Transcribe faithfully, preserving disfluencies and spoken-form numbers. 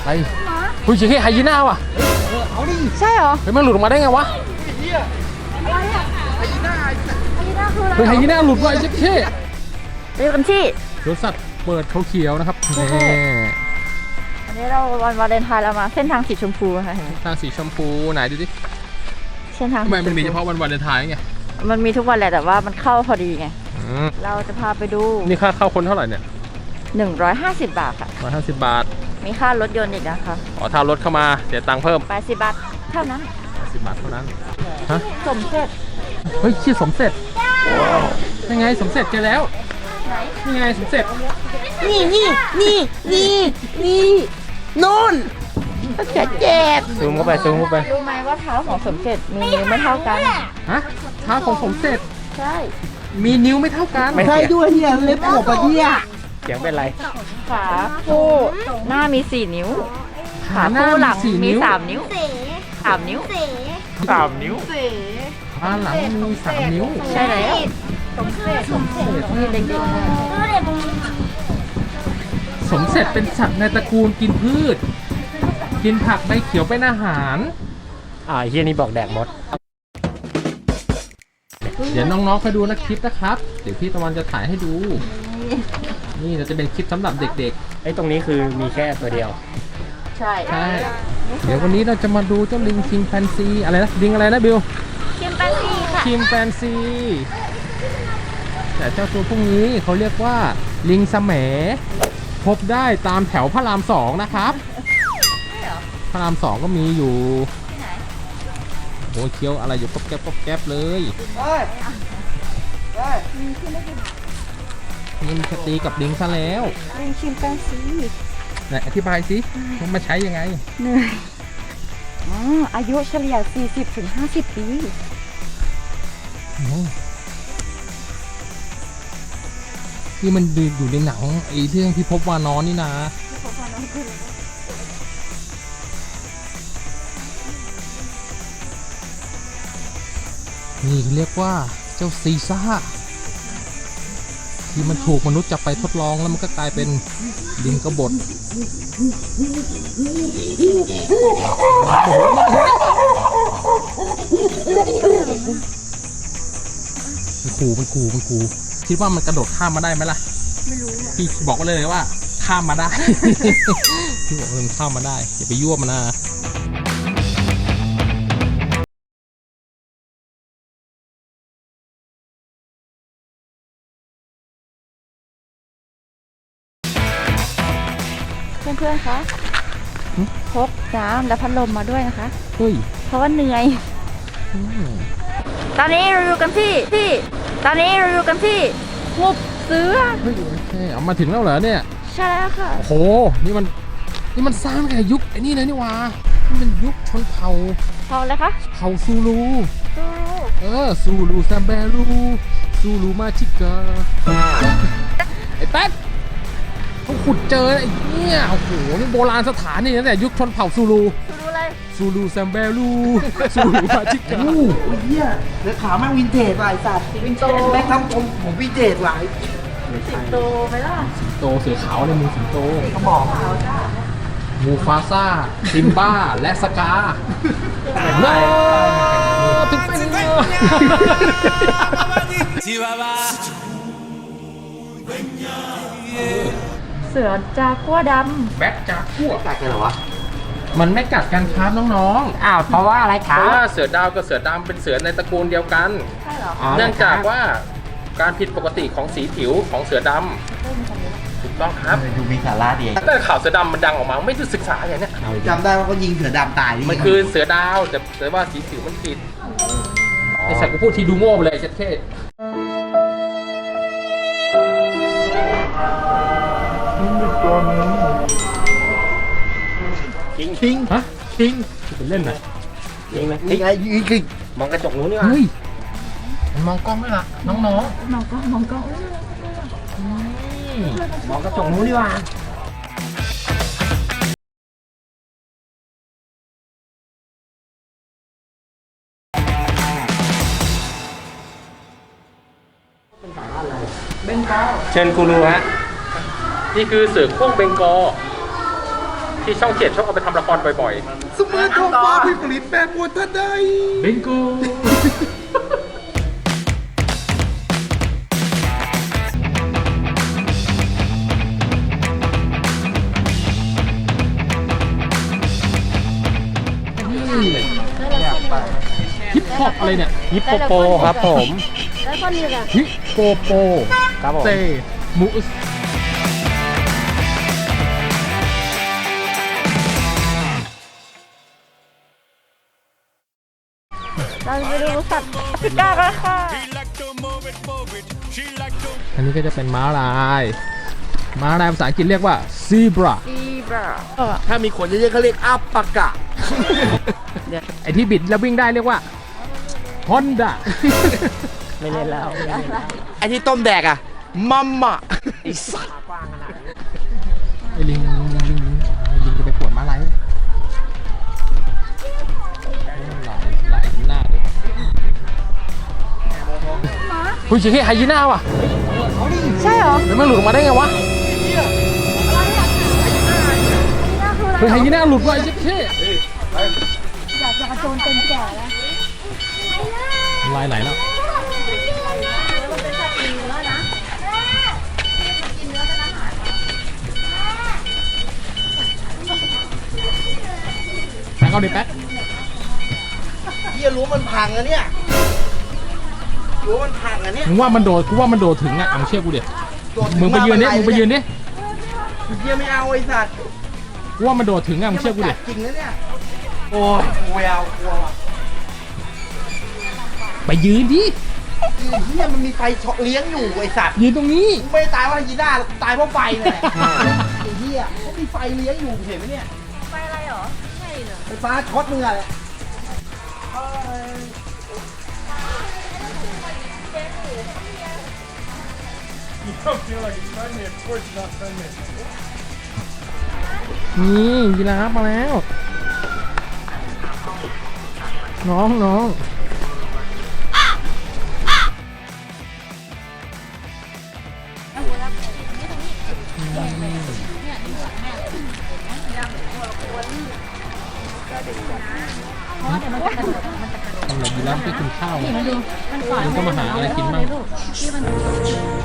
ไปคุยเฉยๆไฮยีน่าว่ะเอาดิใช่เหรอเฮ้ยมันหลุดออกมาได้ไงวะอะไรอะไฮยีน่าไฮยีน่าคืออะไรเฮ้ยไฮยีน่าหลุดว่ะไอ้เจ๊เท่ไปดูกันที่สวนสัตว์เปิดเขาเขียวนะครับอันนี้เราวันวาเลนไทน์เรามาเส้นทางสีชมพูค่ะทางสีชมพูไหนดูดิเส้นทางทำไมมันมีเฉพาะวันวาเลนไทน์ไงมันมีทุกวันแหละแต่ว่ามันเข้าพอดีไงเราจะพาไปดูนี่ค่าเข้าคนเท่าไหร่เนี่ยหนึ่งร้อยห้าสิบบาทค่ะร้อยห้าสิบบาทมีค่ารถยนต์อีกนะคะอ๋อถ้ารถเข้ามาเสียตังค์เพิ่มแปดสิบบาทเท่านั้นแปดสิบบาทเท่านั้นฮะสมเสร็จเฮ้ยชื่อสมเสร็จยังไงสมเสร็จเจอแล้วนี่ไงสมเสร็จนี่นี่นี่นี่นี่นู่นเจ็บเจ็บซูมเข้าไปซูมเข้าไปรู้ไหมว่าเท้าของสมเสร็จมีนิ้วไม่เท่ากันฮะเท้าของสมเสร็จใช่มีนิ้วไม่เท่ากันไม่ใช่ด้วยเฮียเล็บขบอะเฮียเสียงเป็นไรขาคู่หน้ามีสี่นิ้วขาคู่หลังมีสามนิ้วสามนิ้วสามนิ้วขาหลังมีสามนิ้วใช่แล้วสมเสร็จสมเสร็จมีเด็กสมเสร็จเป็นสัตว์ในตระกูลกินพืชกินผักใบเขียวเป็นอาหารอ่าเฮียนี่บอกแดกมดเดี๋ยวน้องๆไปดูนะคลิปนะครับเดี๋ยวพี่ตะวันจะถ่ายให้ดูนี่เราจะเป็นคลิปสำหรับเด็กๆไอ้ตรงนี้คือมีแค่ตัวเดียวใช่ใช่เดี๋ยววันนี้เราจะมาดูเจ้าลิงชิมแปนซีอะไรนะลิงอะไรนะบิวชิมแปนซีค่ะชิมแปนซีแต่เจ้าตัวพวกนี้เขาเรียกว่าลิงแสมพบได้ตามแถวพระรามสองนะครับพระรามสองก็มีอยู่โอ้เคี้ยวอะไรอยู่ก๊อบแก๊บก๊อบแก๊บเลยนี่มีสตีกับลิงซะแล้วลิงชิมแปนซีไหนอธิบายสิมันมาใช้ยังไงเหนื่อยอ๋ออายุเฉลี่ย สี่สิบถึงห้าสิบ ปีที่มันอยู่ในหนังไอ้เรื่องที่พบวานอนนี่นะนี่เรียกว่าเจ้าซีซ่าที่มันถูกมนุษย์จับไปทดลองแล้วมันก็กลายเป็นลิงกบฏมันขู่มันขู่มันขู่คิดว่ามันกระโดดข้ามมาได้ไหมล่ะไม่รู้พี่บอกเลยว่าข้ามมาได้พี่บอกมันข้ามมาได้อย่าไปยั่วมันนะเพื่อนๆคะพกน้ำและพัดลมมาด้วยนะคะเฮ้ยเพราะว่าเหนื่อยตอนนี้เราอยู่กันที่ที่ตอนนี้เราอยู่กันที่หุบเสือเฮ้ยโอเคเอามาถึงแล้วเหรอเนี่ยใช่แล้วค่ะโอ้โหนี่มันนี่มันสร้างแต่ยุคไอ้นี่เลยนี่วะนี่มันยุคชนเผ่าเผ่าอะไรคะเผ่าซูลูซูลูเออซูลูแซมเบลูซูลูมาชิกาไอ้แป๊ดเขาขุดเจอไอ้เนี่ยโอ้โหนี่โบราณสถานนี่ตั้งแต่ยุคชนเผ่าซูลูซูลูอะไรซูลูแซมเบลูซูลูมาชิกาโอ้ยเหี้ยเนื้อขาแม่งวินเทจว่ะไอ้สัตว์วินโตแม่งทำผมผมวินเทจว่ะสิงโตไหมล่ะสิงโตเสือขาวในมือสิงโตเขาบอกมูฟาซ่าซิมบ้าและสกาว้าวถึงเป็นเสือจากัวดำแบ็คจากัวกัดกันเหรอวะมันไม่กัดกันครับน้องๆอ้าวเพราะว่าอะไรครับเพราะว่าเสือดาวกับเสือดำเป็นเสือในตระกูลเดียวกันใช่เหรอเนื่องจากว่าการผิดปกติของสีผิวของเสือดำถูกต้องครับดูมีสาระดีแต่ข่าวเสือดำมันดังออกมาไม่ได้ศึกษาอย่างนี้จำได้ว่าเขายิงเสือดำตายมันคือเสือดาวแต่แต่ว่าสีผิวมันผิดไอ้สักกูพูดทีดูโง่ไปเลยเช็ดเท่ทิ้งทิ้งฮะทิ้งเป็นเล่นไหนทิ้งไหมทิ้งไอ้ยิงยิงมองกระจกนู้นนี่วะเฮ้ยมองกล้องด้วยล่ะน้องๆมองกล้องมองกล้องมองกระจกนู้นนี่วะเบงกอลเชิญกูรูฮะนี่คือเสือโคร่งเบงกอลที่ช่องเจ็ดชอบเอาไปทำละครบ่อยสมัยทองฟ้าผลิตแปรปรวนทันใดๆบิงโกฮิปฮอปอะไรเนี่ยฮิปโปโปครับผมแล้วคนนี้ล่ะฮิปโปโปครับผมเซมูสเราไปดูสัตว์แอฟริกากันค่ะอันนี้ก็จะเป็นม้าลายม้าลายภาษาอังกฤษเรียกว่า zebra ซีบราถ้ามีขนเยอะๆเขาเรียกอัปปะกะไอที่บิดแล้ววิ่งได้เรียกว่า Honda ไม่เล่นแล้วไอ้ที่ต้มแดกอะมัมมะไอ้สัสไอลิงลิงลิงลิงไอลิงจะไปปวดม้าลายไหมลายลายหน้าด้วยคุณชิคกี้ไฮยีน่าว่ะใช่เหรอเดี๋ยวมันหลุดออกมาได้ไงวะเฮ้ยไฮยีน่าหลุดว่ะไอ้ชิคกี้อยากจะกระโจนเต็มแก่แล้วลายไหลแล้วแป๊กเอาดิแป๊กเฮียรู้มันพังอะเนี่ยรู้มันพังอะเนี่ยมึงว่ามันโดดกูว่ามันโดดถึงอ่ะเอาเชื่อกูดิมึงไปยืนดิมึงไปยืนดิเฮียไม่เอาไอ้สัตว์กูว่ามันโดดถึงอ่ะมึงเชื่อกูดิจริงนะเนี่ยโอ้ยกูไม่เอากลัวว่ะไปยืนดิไอ้เฮียมันมีไฟช็อตเลี้ยงอยู่ไอ้สัตว์ยืนตรงนี้กูไม่ได้ตายเพราะยีน่าหรอกกูตายเพราะไฟนี่นแหละไอ้เฮียเขามีไฟเลี้ยงอยู่เห็นไหมเนี่ยไฟอะไรเหรอ ใช่เหรอไฟฟ้าช็อตมึงอะนี่ยีราฟมาแล้ว น้องน้องทำไมยีราฟไม่กินข้าวมันก็มาหาอะไรกินบ้าง